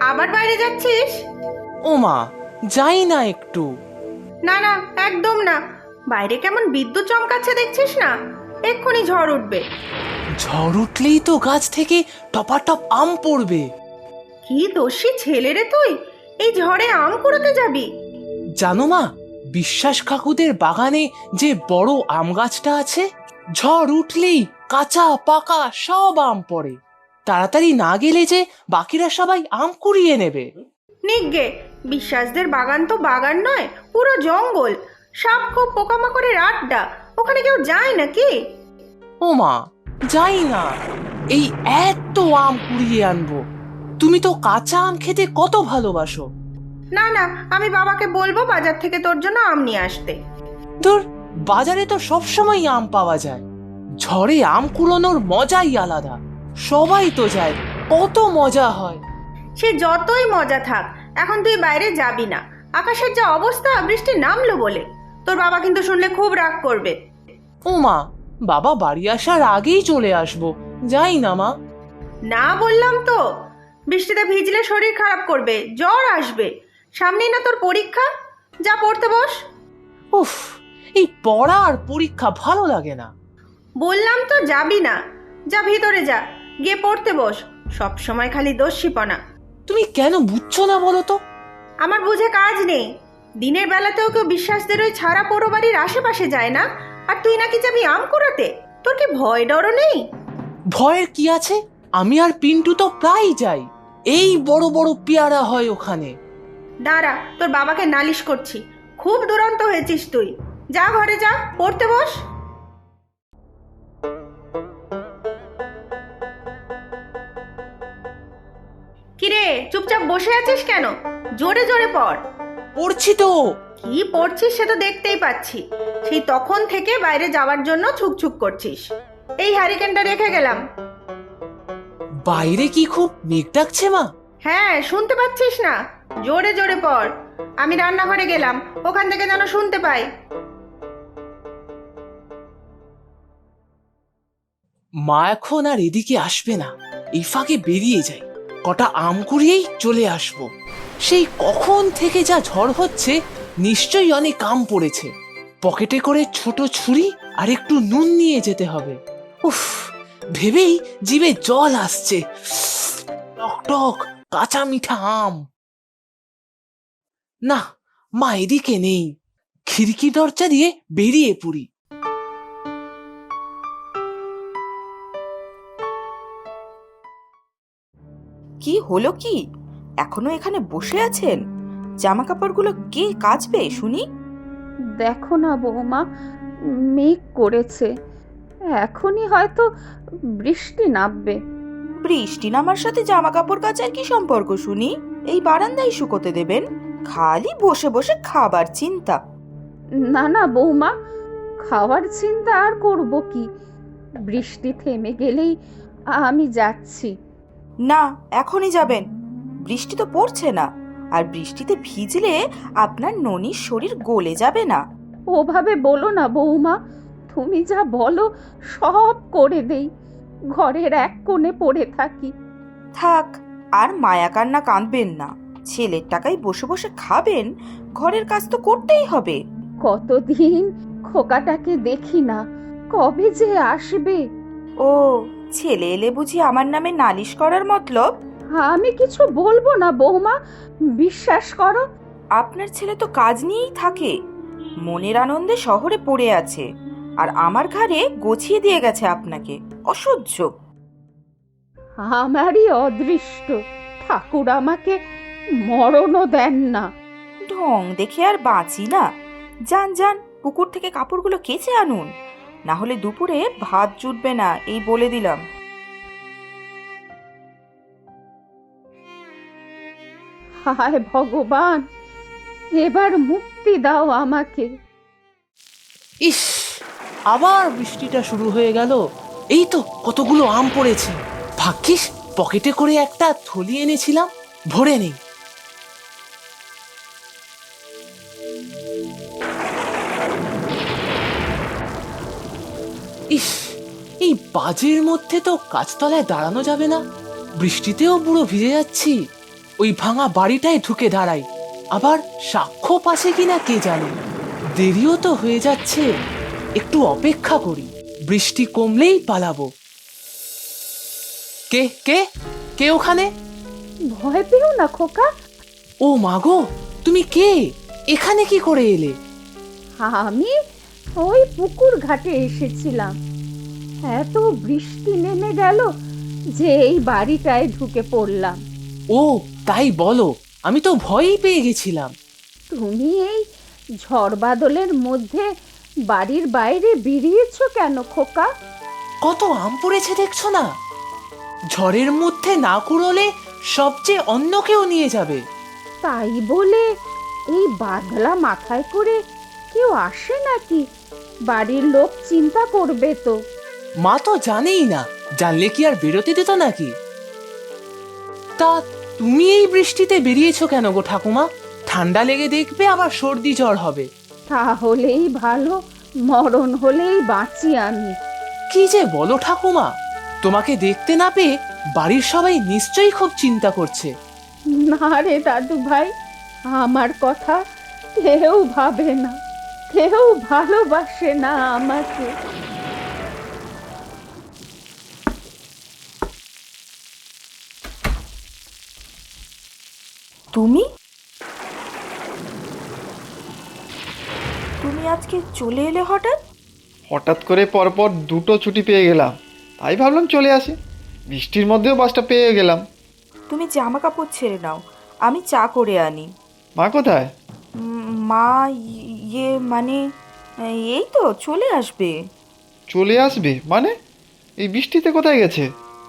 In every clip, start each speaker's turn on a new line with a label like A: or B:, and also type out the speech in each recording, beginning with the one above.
A: আবার বাইরে যাচ্ছিস?
B: ও মা, যাই না একটু।
A: না না, একদম না। বাইরে কেমন বিদ্যুৎ চমকাচ্ছে দেখছিস না? এক্ষুনি ঝড় উঠবে।
B: ঝড় উঠলেই তো গাছ থেকে টপাটপ আম পড়বে।
A: কি দোষী ছেলে রে তুই, এই ঝড়ে আম কুড়োতে যাবি?
B: জানো মা, বিশ্বাস কাকুদের বাগানে যে বড় আম গাছটা আছে, ঝড় উঠলেই কাঁচা পাকা সব আম পড়ে। তাড়াতাড়ি না গেলে যে বাকিরা সবাই আম কুড়িয়ে নেবে।
A: নিগ্গে, বিশ্বাসদের বাগান তো বাগান নয়, পুরো জঙ্গল। সাপ খুব পোকামাকড়ের আড্ডা, ওখানে কেউ যায় নাকি?
B: ও মা, যাই না। এই এত আম কুড়িয়ে আনবো। তুমি তো কাঁচা আম খেতে কত ভালোবাসো।
A: না না, আমি বাবাকে বলবো বাজার থেকে তোর জন্য আম নিয়ে আসতে।
B: ধুর, বাজারে তো সবসময় আম পাওয়া যায়। ঝড়ে আম কুড়োনোর মজাই আলাদা। সবাই তো যায়, কত মজা হয়।
A: সে যতই মজা থাক, এখন তুই বাইরে যাবি না। আকাশের যা অবস্থা, বৃষ্টি নামলো বলে। তোর বাবা কিন্তু শুনলে খুব রাগ করবে।
B: ও মা, বাবা বাড়ি আসার আগেই চলে আসবো। যাই না মা।
A: না বললাম তো, বৃষ্টিতে ভিজলে শরীর খারাপ করবে, জ্বর আসবে। সামনেই না তোর পরীক্ষা, যা পড়তে বস।
B: উফ, এই পড়া আর পরীক্ষা ভালো লাগে না।
A: বললাম তো যাবি না, যা ভিতরে যা, গিয়ে পড়তে বস। সব সময় খালি দোষীপনা।
B: তুমি কেন বুঝছো না বলো তো?
A: আমার বুঝে কাজ নেই। দিনের বেলাতেও কেউ বিশ্বাসদের ওই ছাড়া পোড়ো বাড়ির আশেপাশে যায় না, আর তুই নাকি যাবি আম কুড়াতে? তোর কি ভয় ডরও নেই?
B: ভয়ের কি আছে? আমি আর পিন্টু তো প্রায় যাই। এই বড় বড় পেয়ারা হয় ওখানে।
A: দাঁড়া, তোর বাবাকে নালিশ করছি। খুব দুরন্ত হয়েছিস তুই। যা ঘরে যা, পড়তে বস। কিরে, চুপচাপ বসে আছিস কেন? জোরে জোরে পড়।
B: পড়ছি তো।
A: কি পড়ছিস সে তো দেখতেই পাচ্ছি। সেই তখন থেকে বাইরে যাওয়ার জন্য ছুকছুক করছিস। এই হ্যারিকেনটা রেখে গেলাম।
B: বাইরে কি খুব মেঘ ডাকছে মা?
A: হ্যাঁ, শুনতে পাচ্ছিস না? জোরে জোরে পড়। আমি রান্নাঘরে গেলাম, ওখান থেকে যেন শুনতে পাই।
B: মা এখন আর এদিকে আসবে না। এই ফাঁকে বেরিয়ে যাই, কটা আম কুড়িয়েই চলে আসবো। সেই কখন থেকে যা ঝড় হচ্ছে, নিশ্চয়ই অনেক আম পড়েছে। পকেটে করে ছোট ছুরি আর একটু নুন নিয়ে যেতে হবে। উফ, ভেবেই জিভে জল আসছে। টক টক কাঁচা মিঠা আম। না, মা এদিকে নেই। খিড়কি দরজা দিয়ে বেরিয়ে পড়ি।
C: কি হলো কি? এখনো এখানে বসে আছেন? জামা কাপড়গুলো কে কাচবে শুনি?
D: দেখো না বৌমা, মেঘ করেছে, এখনই হয়তো বৃষ্টি নামবে।
C: বৃষ্টি নামার সাথে জামা কাপড় কাচার কি সম্পর্ক শুনি? এই বারান্দায় শুকোতে দেবেন? খালি বসে বসে খাবার চিন্তা।
D: না না বৌমা, খাওয়ার চিন্তা আর করব কি? বৃষ্টি থেমে গেলেই আমি যাচ্ছি।
C: না, এখনই যাবেন? বৃষ্টি তো পড়ছে না, আর বৃষ্টিতে ভিজলে আপনার ননির শরীর গলে যাবে না?
D: ওভাবে বলো না বৌমা, তুমি যা বলো সব করে দেই। ঘরের এক কোণে পড়ে থাকি।
C: থাক, আর মায়া কান্না কাঁদবেন না। ছেলের টাকায় বসে বসে খাবেন, ঘরের কাজ তো করতেই হবে।
D: কতদিন খোকাটাকে দেখি না, কবে যে আসবে?
C: ও, ছেলে এলে বুঝি আমার নামে নালিশ করার মতলব?
D: আমি কিছু বলবো না বৌমা, বিশ্বাস করো।
C: আপনার ছেলে তো কাজ নিয়েই থাকে, মনের আনন্দে শহরে পড়ে আছে, আর আমার ঘাড়ে গছিয়ে দিয়ে গেছে আপনাকে। অসহ্য।
D: আমারই অদৃষ্ট, ঠাকুর আমাকে মরণও দেন না।
C: ঢং দেখে আর বাঁচি না। যান যান, পুকুর থেকে কাপড়গুলো কেচে আনুন, না হলে দুপুরে ভাত জুটবে না, এই বলে দিলাম।
D: হায় ভগবান, এবার মুক্তি দাও আমাকে।
B: ইস, আবার বৃষ্টিটা শুরু হয়ে গেল। এই তো কতগুলো আম পড়েছে। ভাগ্যিস পকেটে করে একটা থলি এনেছিলাম, ভরে নেই। ইস, এই বাজের মধ্যে তো গাছতলায় দাঁড়ানো যাবে না। বৃষ্টিতেও পুরো ভিজে যাচ্ছি। ওই ভাঙা বাড়িটায় ঢুকে দাঁড়াই। আবার সাক্ষ্য পাশে কিনা কে জানে। দেরিও তো হয়ে যাচ্ছে, একটু অপেক্ষা করি, বৃষ্টি কমলেই পালাবো। কে কে কে ওখানে?
D: ভয় পেও না খোকা,
B: ও মাগো, তুমি কে? এখানে কি করে এলে?
D: আমি ওই পুকুর ঘাটে এসেছিলাম। এত বৃষ্টি নেমে গেল যে এই বাড়িটায় ঢুকে পড়লাম।
B: ও তাই বলো, আমি তো ভয়ই পেয়ে গেছিলাম।
D: তুমি এই ঝড় বাদলের মধ্যে বাড়ির বাইরে বেরিয়েছো কেন খোকা?
B: কত আম পড়েছে দেখছো না? ঝড়ের মধ্যে না কুড়োলে সবচেয়ে অন্য কেউ নিয়ে যাবে।
D: তাই বলে এই বাদলা মাথায় করে কেউ আসে নাকি? বাড়ির লোক চিন্তা করবে তো।
B: মা তো জানেই না, জানলে কি আর বেরোতে দিত নাকি? তা তুমি এই বৃষ্টিতে বেরিয়েছো কেন গো ঠাকুমা? ঠান্ডা লেগে দেখবে আবার সর্দি জ্বর হবে।
D: তাহলেই ভালো, মরণ হলেই বাঁচি আমি।
B: কি যে বলো ঠাকুমা, তোমাকে দেখতে না পেয়ে বাড়ির সবাই নিশ্চয়ই খুব চিন্তা করছে।
D: না রে দাদু ভাই, আমার কথা কেউ ভাবে না, কেউ ভালোবাসে না আমাকে।
C: তুমি তুমি আজকে চলে এলে হঠাৎ?
E: হঠাৎ করে পরপর দুটো ছুটি পেয়ে গেলাম, তাই ভাবলাম চলে আসি। বৃষ্টির মধ্যেও বাসটা পেয়ে গেলাম।
C: তুমি জামা কাপড় ছেড়ে নাও, আমি চা করে আনি।
E: মা কোথায়?
C: মা ইয়ে মানে এই তো চলে আসবে।
E: চলে আসবে মানে? এই বৃষ্টিতে কোথায় গেছে?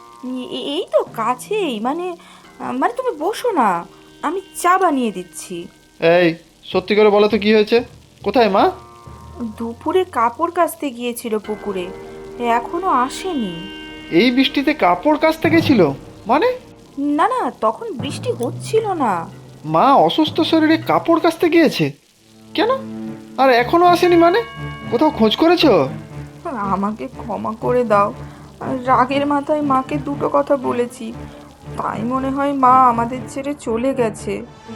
C: এই তো কাছেই, মানে মানে তুমি বসো না, আমি চা বানিয়ে দিচ্ছি।
E: এই সত্যি করে বলো তো কি হয়েছে? কোথায় মা?
C: দুপুরে কাপড় কাচতে গিয়েছিল পুকুরে, এখনো আসেনি।
E: এই বৃষ্টিতে কাপড় কাচতে গেছিল মানে?
C: না না, তখন বৃষ্টি হচ্ছিল না।
E: মা অসুস্থ শরীরে কাপড় কাচতে গিয়েছে কেন? আর এখনো আসেনি মানে? কোথাও খোঁজ করেছো?
C: আমাকে ক্ষমা করে দাও, রাগের মাথায় মাকে দুটো কথা বলেছি, তাই মনে হয় মা আমাদের ছেড়ে চলে গেছে।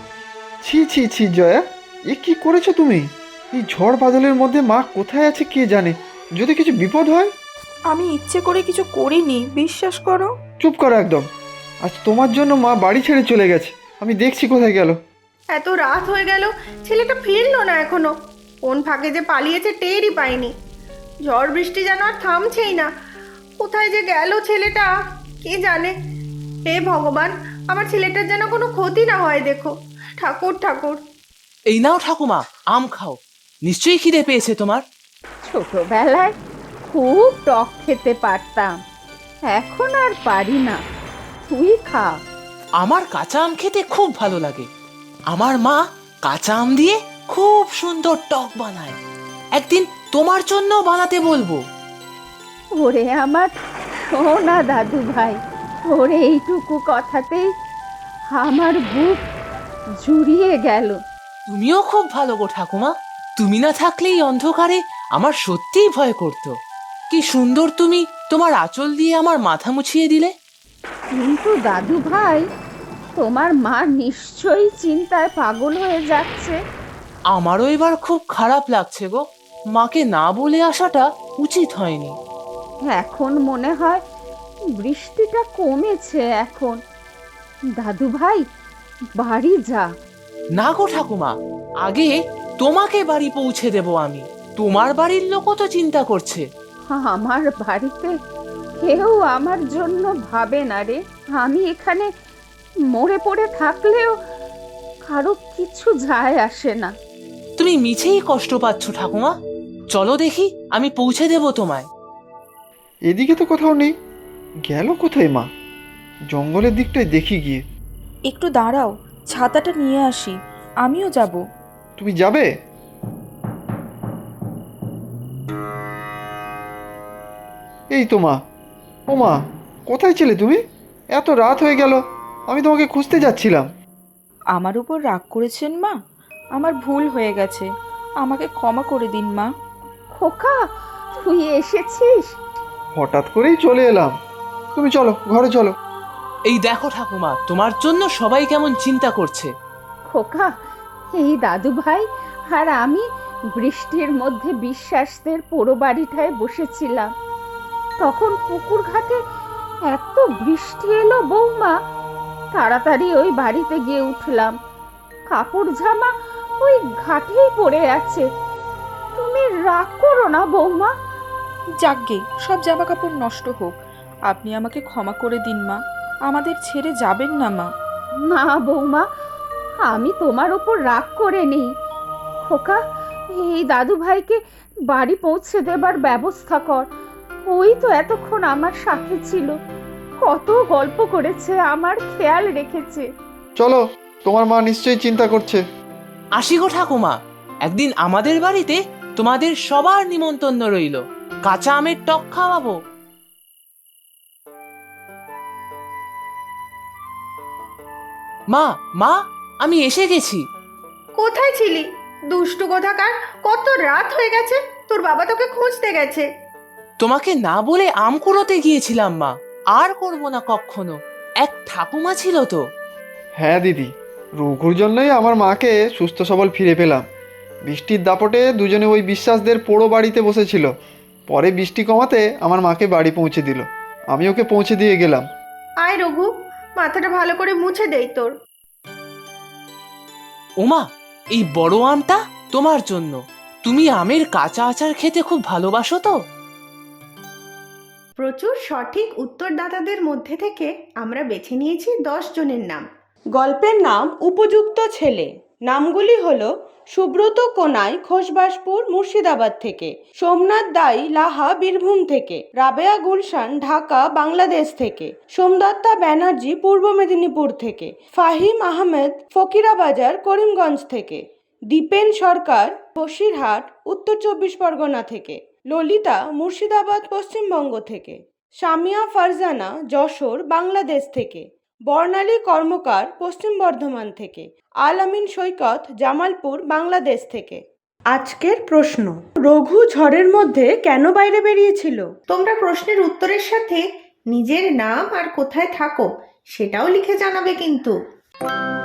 E: ছি ছি ছি জয়া, এ কি করেছো তুমি? এই ঝড় বাদলের মধ্যে মা কোথায় আছে কে জানে, যদি কিছু বিপদ হয়।
C: আমি ইচ্ছে করে কিছু করিনি, বিশ্বাস করো।
E: চুপ করো একদম। আজ তোমার জন্য মা বাড়ি ছেড়ে চলে গেছে, আমি দেখছি কোথায় গেল।
A: এত রাত হয়ে গেল, ছেলেটা ফিরলো না এখনো। কোন ফাঁকে যে পালিয়েছে টেরই পাইনি। ঝড় বৃষ্টি যেন আর থামছেই না। কোথায় যে গেল ছেলেটা, কে জানে। হে ভগবান, আমার ছেলেটার যেন কোনো ক্ষতি না হয় দেখো। ঠাকুর ঠাকুর।
B: এই নাও ঠাকুমা, আম খাও, নিশ্চয়ই খিদে পেয়েছে তোমার।
D: ছোটবেলায় খুব টক খেতে পারতাম, এখন আর পারি না। তুই খা।
B: আমার কাঁচা আম খেতে খুব ভালো লাগে। আমার মা কাঁচা আম দিয়ে খুব সুন্দর টক বানায়। একদিন তোমার জন্য বানাতে বলবো।
D: ওরে আমার সোনা দাদু ভাই, ওর এইটুকু কথাতেই আমার বুক জুড়িয়ে গেল।
B: তুমিও খুব ভালো গো ঠাকুমা। তুমি না থাকলে এই অন্ধকারে আমার সত্যিই ভয় করতো। কি সুন্দর তুমি তোমার আঁচল দিয়ে আমার মাথা মুছিয়ে দিলে।
D: কিন্তু দাদু ভাই, তোমার মা নিশ্চয়ই চিন্তায় পাগল হয়ে যাচ্ছে।
B: আমারও এবার খুব খারাপ লাগছে গো। মাকে না বলে আসাটা উচিত হয়নি।
D: এখন মনে হয় বৃষ্টিটা কমেছে এখন। দাদু ভাই, বাড়ি যা।
B: না গো ঠাকুমা, আগে তোমাকে বাড়ি পৌঁছে দেব আমি। তোমার বাড়ির লোকও তো চিন্তা করছে।
D: আমার বাড়িতে কেউ আমার জন্য ভাবে না রে। আমি এখানে মরে পড়ে থাকলেও কারো কিছু যায় আসে না।
B: তুমি মিছেই কষ্ট পাচ্ছ ঠাকুমা। চলো দেখি, আমি পৌঁছে দেব তোমায়।
E: এদিকে তো কোথাও নেই, গেল কোথায় মা? জঙ্গলের দিকটায় দেখি গিয়ে।
C: একটু দাঁড়াও, ছাতাটা নিয়ে আসি, আমিও যাব।
E: তুমি যাবে? এই তো মা। ও মা, কোথায় ছিলে তুমি? এত রাত হয়ে গেল, আমি তোমাকে খুঁজতে যাচ্ছিলাম।
C: আমার উপর রাগ করেছেন মা? আমার ভুল হয়ে গেছে, আমাকে ক্ষমা করে দিন মা।
D: খোকা, তুই এসেছিস?
E: হঠাৎ করেই চলে এলাম। তুমি চলো ঘরে চলো।
B: এই দেখো ঠাকুমা, তোমার জন্য সবাই কেমন চিন্তা করছে।
D: খোকা, এই দাদু ভাই আর আমি বৃষ্টির মধ্যে বিশ্বাসদের পোড়ো বাড়িটায় বসেছিলাম। তখন পুকুর ঘাটে এত বৃষ্টি এলো বৌমা, তাড়াতাড়ি ওই বাড়িতে গিয়ে উঠলাম। কাপড় জামা ওই ঘাটেই পড়ে আছে। তুমি রাগ করো না বৌমা।
C: যাকগে, সব জামা কাপড় নষ্ট হোক, আপনি আমাকে ক্ষমা করে দিন মা, আমাদের ছেড়ে যাবেন না মা।
D: না বৌমা, আমি তোমার ওপর রাগ করে নেই। খোকা, এই দাদু ভাইকে বাড়ি পৌঁছে দেবার ব্যবস্থা কর। ওই তো এতক্ষণ আমার সাথে ছিল, কত গল্প করেছে, আমার খেয়াল রেখেছে।
E: চলো, তোমার মা নিশ্চয়ই চিন্তা করছে।
B: আসি গো ঠাকুমা, একদিন আমাদের বাড়িতে তোমাদের সবার নিমন্ত্রণ রইল, কাঁচা আমের টক খাওয়াবো। মা মা, আমি এসে গেছি।
A: কোথায় ছিলি দুষ্টু কোথাকার? কত রাত হয়ে গেছে, তোর বাবা তোকে খুঁজতে গেছে।
B: তোমাকে না বলে আম কুড়োতে গিয়েছিলাম মা, আর করব না কখনো। এক ঠাকুমা ছিল তো।
E: হ্যাঁ দিদি, রঘুর জন্যই আমার মাকে সুস্থ সবল ফিরে পেলাম। বৃষ্টির দাপটে দুজনে ওই বিশ্বাসদের পোড়ো বাড়িতে বসেছিল। পরে বৃষ্টি কমাতে আমার মাকে বাড়ি পৌঁছে দিল, আমি ওকে পৌঁছে দিয়ে গেলাম।
A: আয় রঘু, মাথাটা ভালো করে মুছে দেই তোর।
B: ওমা, এই বড় আমটা তোমার জন্য। তুমি আমের কাঁচা আচার খেতে খুব ভালোবাসো তো।
A: প্রচুর সঠিক উত্তরদাতাদের মধ্যে থেকে আমরা বেছে নিয়েছি 10 জনের নাম।
F: গল্পের নাম উপযুক্ত ছেলে। নামগুলি হলো সুব্রত কোনাই খোসবাসপুর মুর্শিদাবাদ থেকে, সোমনাথ দাই লাহা বীরভূম থেকে, রাবেয়া গুলশান ঢাকা বাংলাদেশ থেকে, সোমদত্তা ব্যানার্জি পূর্ব মেদিনীপুর থেকে, ফাহিম আহমেদ ফকিরাবাজার করিমগঞ্জ থেকে, দীপেন সরকার বসিরহাট উত্তর 24 পরগনা থেকে, ললিতা মুর্শিদাবাদ পশ্চিমবঙ্গ থেকে, সামিয়া ফারজানা যশোর বাংলাদেশ থেকে, বর্ণালী কর্মকার পশ্চিম বর্ধমান থেকে, আল আমিন সৈকত জামালপুর বাংলাদেশ থেকে। আজকের প্রশ্ন, রঘু ঝড়ের মধ্যে কেন বাইরে বেরিয়েছিল?
A: তোমরা প্রশ্নের উত্তরের সাথে নিজের নাম আর কোথায় থাকো সেটাও লিখে জানাবে কিন্তু।